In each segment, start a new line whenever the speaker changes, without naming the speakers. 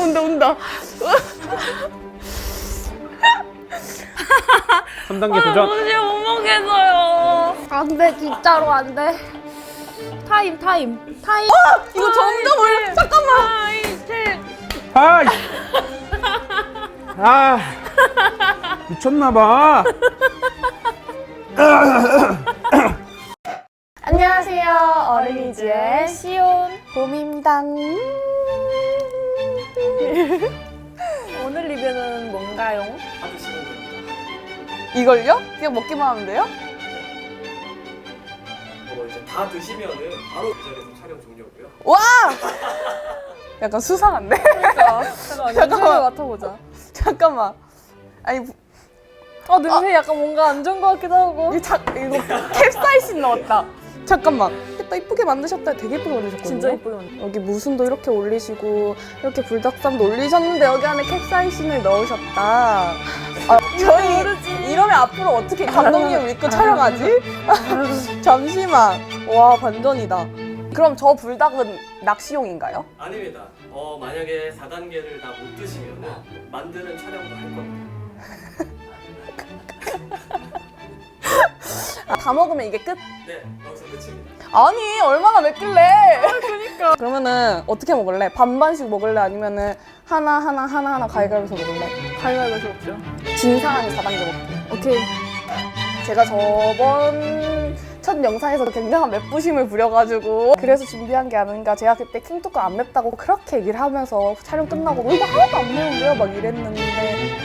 온다.
3단계 도전.
도저히 못 먹겠어요.
안 돼, 진짜로 안 돼. 타임. 이거 점점 올려. 잠깐만.
아이. 아. 미쳤나봐.
안녕하세요. 어린이즈의 시온 봄입니다. 오늘 리뷰는 뭔가요?
다 드시면 됩니다.
이걸요? 그냥 먹기만 하면 돼요?
이제 다 드시면은 바로 그 자리에서 촬영 종료고요.
와! 약간 수상한데? 잠깐만 맡아보자. 잠깐만. 아니
냄새 약간 뭔가 안 좋은 것 같기도 하고.
이거 캡사이신 넣었다. 잠깐만. 됐다, 이쁘게 만드셨다. 되게 이쁘게 만드셨거든요.
진짜 이쁘게 만들었어요.
여기 무순도 이렇게 올리시고 이렇게 불닭쌈도 올리셨는데 여기 안에 캡사이신을 넣으셨다. 저희 이러면 앞으로 어떻게 감독님 믿고 촬영하지? 잠시만. 와, 반전이다. 그럼 저 불닭은 낚시용인가요?
아닙니다. 만약에 4단계를 다 못 드시면은 만드는 촬영도 할 겁니다.
다 먹으면 이게 끝?
네, 여기서 끝입니다.
아니, 얼마나 맵길래? 그러니까. 그러면은 어떻게 먹을래? 반반씩 먹을래? 아니면은 하나 가위가위해서 먹을래?
가위바위보 먹죠.
진 사람이 4단계 먹기. 오케이. 제가 저번 첫 영상에서 굉장한 맵부심을 부려가지고 그래서 준비한 게 아닌가. 제가 그때 킹뚜껑 안 맵다고 그렇게 얘기를 하면서 촬영 끝나고 이거 하나도 안 매운데요? 막 이랬는데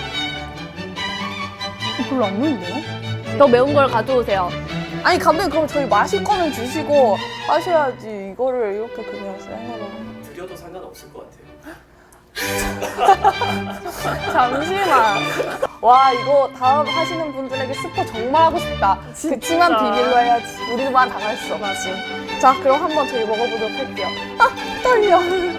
별로 안 매운데요?
더 매운 걸 가져오세요.
아니 감독님, 그럼 저희 마실 거는 주시고 하셔야지. 이거를 이렇게 그냥 생으로.
드려도 상관없을 것 같아요.
잠시만. 와, 이거 다음 하시는 분들에게 스포 정말 하고 싶다. 그치만 비밀로 해야지. 우리만 당할 수 없지. 자, 그럼 한번 저희 먹어보도록 할게요. 아, 떨려.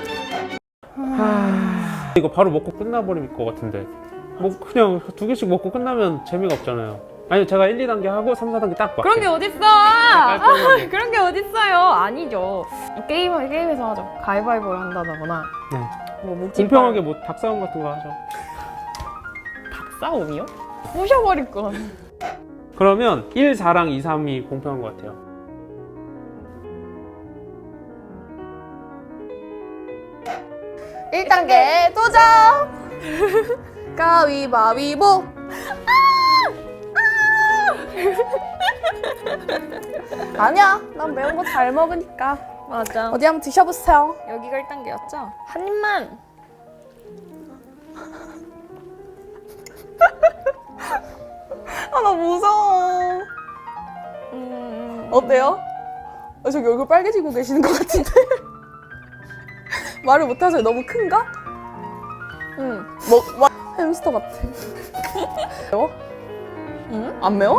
이거 바로 먹고 끝나버릴 것 같은데. 뭐 그냥 2개씩 먹고 끝나면 재미가 없잖아요. 아니 제가 1, 2단계 하고 3, 4단계 딱 맞게.
그런 게 어딨어!
깔끔하게.
그런 게 어딨어요! 아니죠. 게임에서 하죠. 가위바위보를 한다거나.
네.
뭐 묵찌
공평하게 뭐 닭싸움 같은 거 하죠.
닭싸움이요? 부셔버릴 건.
그러면 1, 4랑 2, 3이 공평한 것 같아요.
일단계 도전! 가위바위보! 아니야, 난 매운 거 잘 먹으니까.
맞아.
어디 한번 드셔보세요.
여기가 1단계였죠? 한 입만!
아, 나 무서워. 어때요? 저기 얼굴 빨개지고 계시는 것 같은데? 말을 못하세요? 너무 큰가?
응.
햄스터 같아. 매워?
응?
안 매워?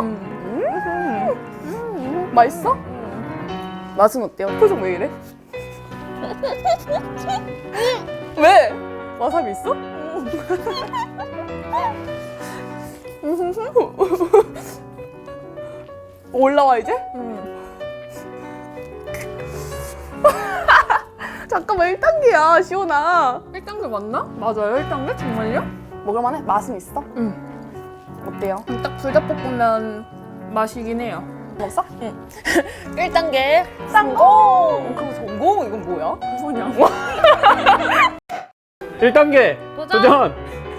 맛있어? 맛은 어때요? 표정 왜 이래? 왜? 와사비 있어? 올라와 이제? 잠깐만, 1단계야 시온아.
1단계 맞나? 맞아요, 1단계? 정말요?
먹을만해? 맛은 있어?
응.
어때요?
딱 불닭볶음면 맛이긴 해요.
먹었어?
응.
1단계 성공! 그거 성공? 이건 뭐야?
뭐냐?
1단계
도전!
도전!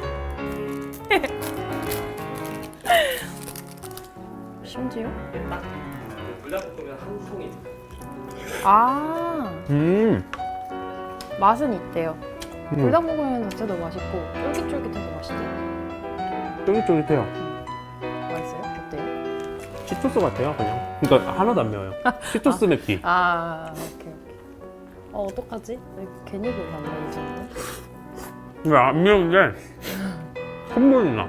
심지어?
딱 불닭볶음면 한 통입니다.
아, 맛은 있대요. 불닭볶음면 자체도 맛있고 쫄깃쫄깃해서 맛있대요.
쫄깃쫄깃해요.
맛있어요? 어때요?
치토스 같아요 그냥. 그러니까 하나도 안 매워요. 치토스 맵기.
아, 오케이. 어떡하지? 왜 괜히 그러나 이제는?
왜 안 매운데 콧물이 나.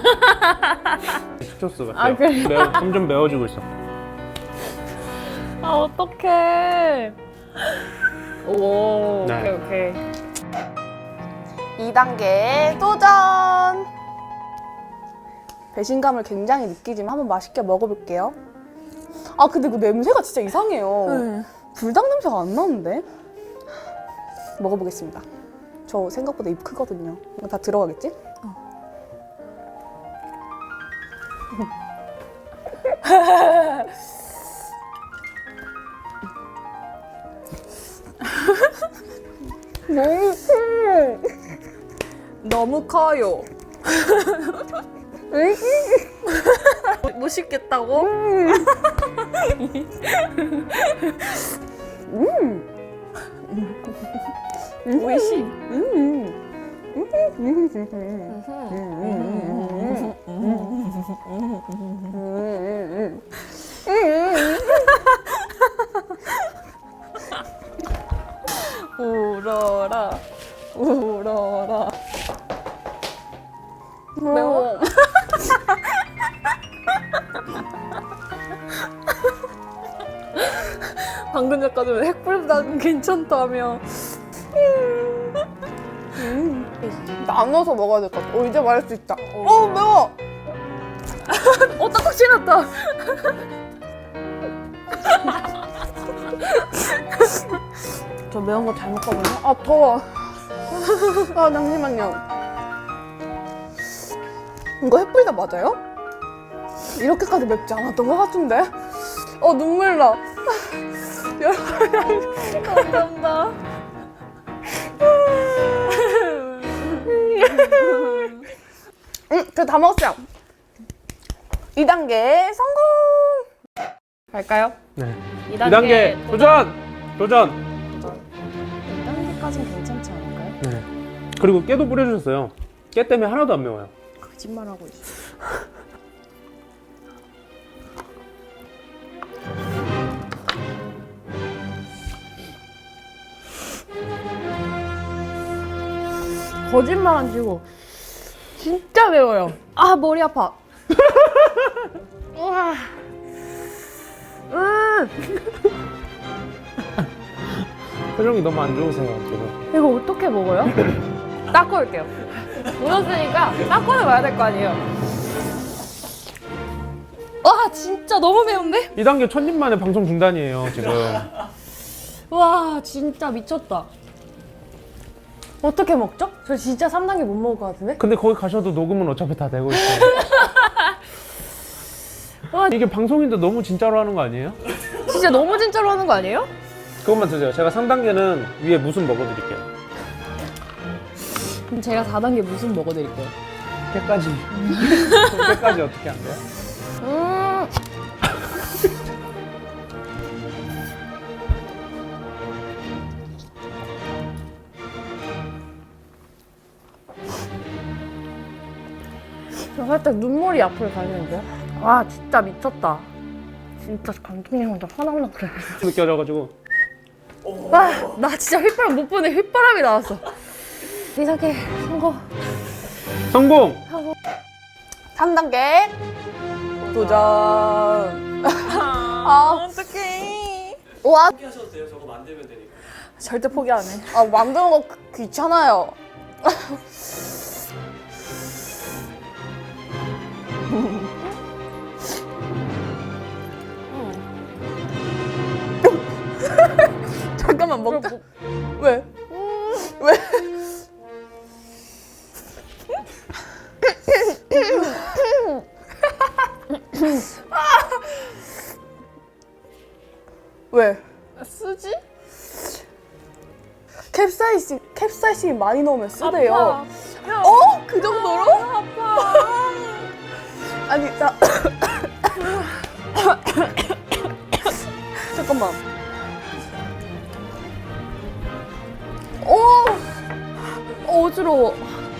치토스 같아요.
아, 그래요?
점점 매워지고 있어.
아, 어떡해. 오,
네.
오케이.
2단계 도전! 배신감을 굉장히 느끼지만 한번 맛있게 먹어볼게요. 아, 근데 그 냄새가 진짜 이상해요. 불닭 냄새가 안 나는데? 먹어보겠습니다. 저 생각보다 입 크거든요. 이거 다 들어가겠지?
너무 커요. 못 씹겠다고? 오이시.
울어라 울어라. 매워.
방금 전까지는 핵불닭은 괜찮다며.
나눠서 먹어야 될 것 같아. 이제 말할 수 있다. 매워.
딱딱 지났다.
저 매운 거 잘 먹거든요. 더워. 잠시만요. 이거 햇불닭 맞아요? 이렇게까지 맵지 않았던 것 같은데? 눈물 나.
감사합니다.
다 먹었어요. 2단계 성공!
갈까요?
네.
2단계
2단계 도전! 도전!
2단계까지는 괜찮지 않을까요?
네. 그리고 깨도 뿌려주셨어요. 깨 때문에 하나도 안 매워요.
거짓말하고 있어. 거짓말 안 치고 진짜 매워요. 아, 머리 아파. 우와.
표정이 너무 안 좋으세요, 지금.
이거 어떻게 먹어요? 닦고 올게요. 묻었으니까 닦고는 와야 될 거 아니에요. 와, 진짜 너무 매운데?
2단계 첫입 만에 방송 중단이에요, 지금.
와, 진짜 미쳤다. 어떻게 먹죠? 저 진짜 3단계 못 먹을 것 같은데?
근데 거기 가셔도 녹음은 어차피 다 되고 있어요.
와,
이게 방송인데 너무 진짜로 하는 거 아니에요?
진짜 너무 진짜로 하는 거 아니에요?
그것만 드세요. 제가 3단계는 위에 무슨 먹어드릴게요.
그럼 제가 4단계 무슨 먹어드릴게요?
깨까지. 깨까지 어떻게 안 돼요?
저 살짝 눈물이 앞으로 가시는데요? 와, 진짜 미쳤다. 진짜 감독님한테 화났나 그래.
느껴져가지고.
와, 나 진짜 휘바람 못 보네. 휘바람이 나왔어. 2단계 성공.
성공!
3단계 도전.
어떡해.
와,
포기하셔도 돼요. 저거 만들면 되니까.
절대 포기 안 해.
만드는 거 귀찮아요. 잠깐만 먹자. 왜? 왜? 왜?
쓰지?
캡사이신 많이 넣으면 쓰대요.
아파.
그 정도로?
아파.
아니, 잠깐만.
어지러워.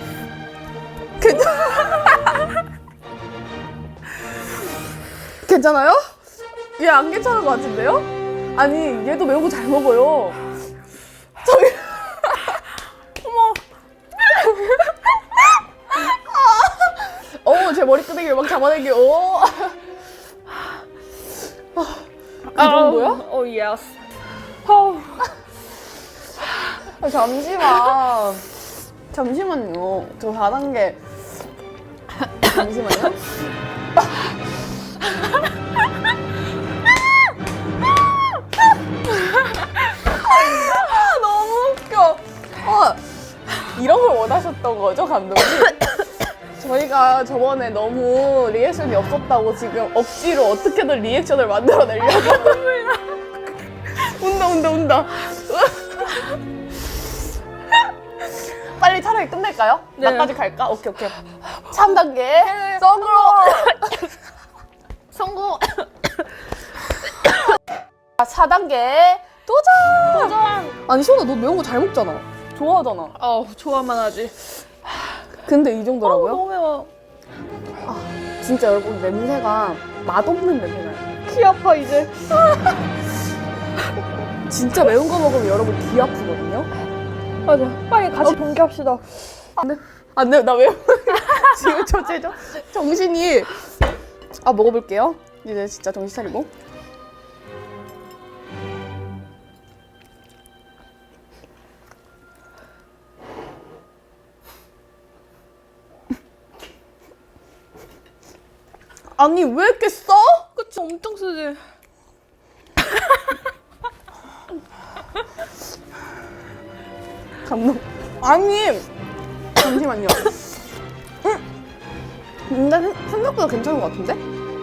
괜찮아요? 얘 안 괜찮은 것 같은데요? 아니, 얘도 매운 거 잘 먹어요. 저기. 어머. 제 머리끄댕이를 막 잡아내기. 그 정도야?
예스.
잠시만요. 저 4단계. 잠시만요. 너무 웃겨. 이런 걸 원하셨던 거죠, 감독님? 저희가 저번에 너무 리액션이 없었다고 지금 억지로 어떻게든 리액션을 만들어내려고. 운다. 빨리 차라리 끝낼까요?
네.
나까지 갈까? 오케이. 3단계 썬으로
성공!
4단계 도전! 아니 시원아 너 매운 거 잘 먹잖아. 좋아하잖아.
좋아만 하지.
근데 이 정도라고요?
너무 매워.
진짜 여러분 냄새가 맛없는 냄새나요.
귀 아파, 이제.
진짜 매운 거 먹으면 여러분 귀 아프거든요.
맞아. 빨리 같이 동기합시다.
안 돼, 나 왜? 지금 정신이. 먹어볼게요. 이제 진짜 정신 차리고. 아니, 왜 이렇게 써?
그치, 엄청 쓰지.
감동. 아니, 잠시만요. 근데 생각보다 괜찮은 것 같은데?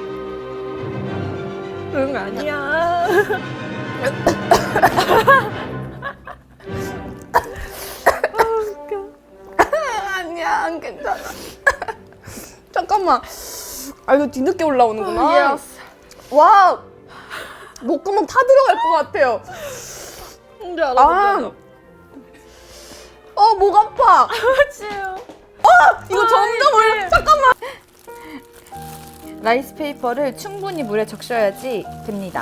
응, 아니야.
아니야, 안 괜찮아. 잠깐만. 이거 뒤늦게 올라오는구나. 와, 목구멍 타 들어갈 것 같아요.
뭔지 알아.
목 아파.
치요.
이거 점점 올려. 잠깐만.
라이스 페이퍼를 충분히 물에 적셔야지 됩니다.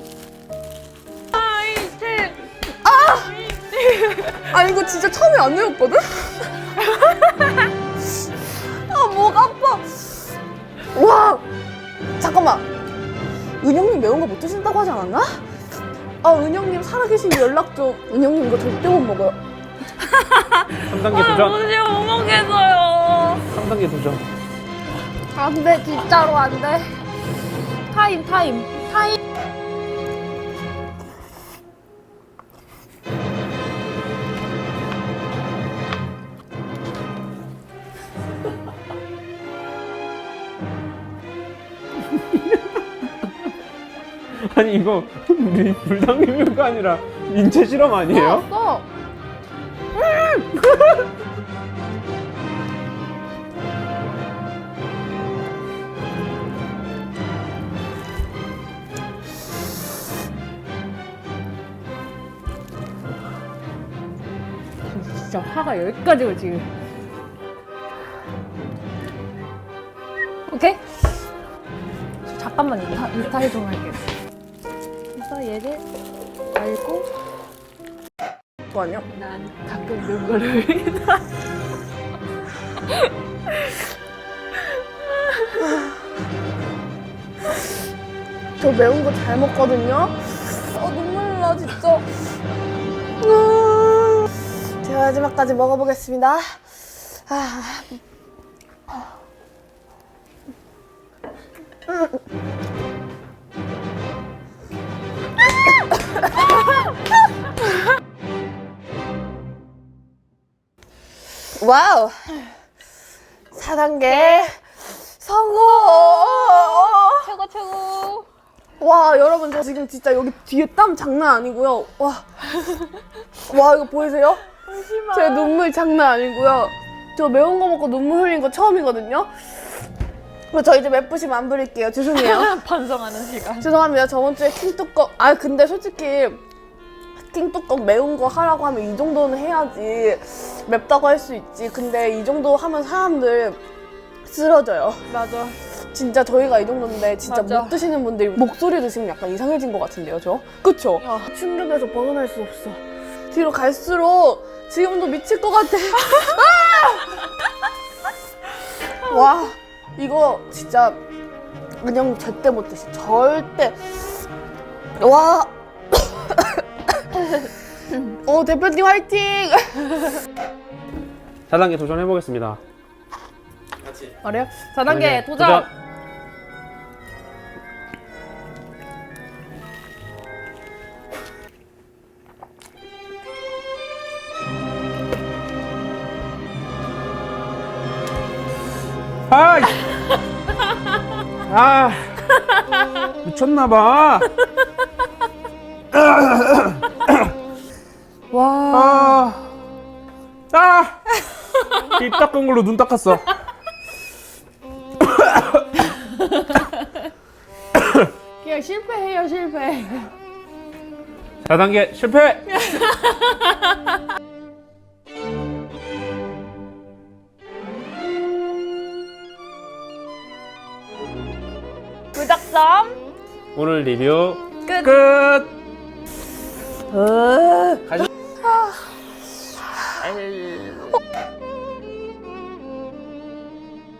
이거 진짜 처음에 안 외웠거든? 목 아파. 와, 잠깐만. 은영님 매운 거 못 드신다고 하지 않았나? 은영님 살아계시면 연락 좀. 은영님 이거 절대 못 먹어요.
3단계 도전.
도저히 못 먹겠어요.
3단계 도전.
안 돼, 진짜로 안 돼. 타임.
아니 이거 불당뇨가 아니라 인체 실험 아니에요?
진짜 화가 여기까지고 지금. 오케이? 잠깐만 인스타에 좀 할게요. 그래서 얘를 알고
좋아요.
난 가끔 이런 거를
저 매운 거 잘 먹거든요. 눈물 나 진짜. 제가 마지막까지 먹어보겠습니다. 와우. 4단계 성공.
최고.
와, 여러분 저 지금 진짜 여기 뒤에 땀 장난 아니고요. 와 이거 보이세요? 제 눈물 장난 아니고요. 저 매운 거 먹고 눈물 흘린 거 처음이거든요. 저 이제 맵부심 안 부릴게요. 죄송해요.
반성하는 시간.
죄송합니다. 저번 주에 킹뚜껑. 근데 솔직히 킹뚜껑 매운 거 하라고 하면 이 정도는 해야지 맵다고 할 수 있지. 근데 이 정도 하면 사람들 쓰러져요.
맞아.
진짜 저희가 이 정도인데 진짜
맞아.
못 드시는 분들이 목소리 드시면 약간 이상해진 것 같은데요, 저? 그쵸? 충격에서 벗어날 수 없어. 뒤로 갈수록 지금도 미칠 것 같아. 와, 이거 진짜 은영 절대 못 드시. 절대. 와. 대표님 화이팅!
4단계 도전해보겠습니다.
같이.
말해요? 4단계 도전!
아, 아, 미쳤나봐.
와.
입 닦은 걸로 눈 닦았어.
그냥 실패해요, 실패.
4단계 실패.
부작점
오늘 리뷰
끝.
끝.
으.
가시-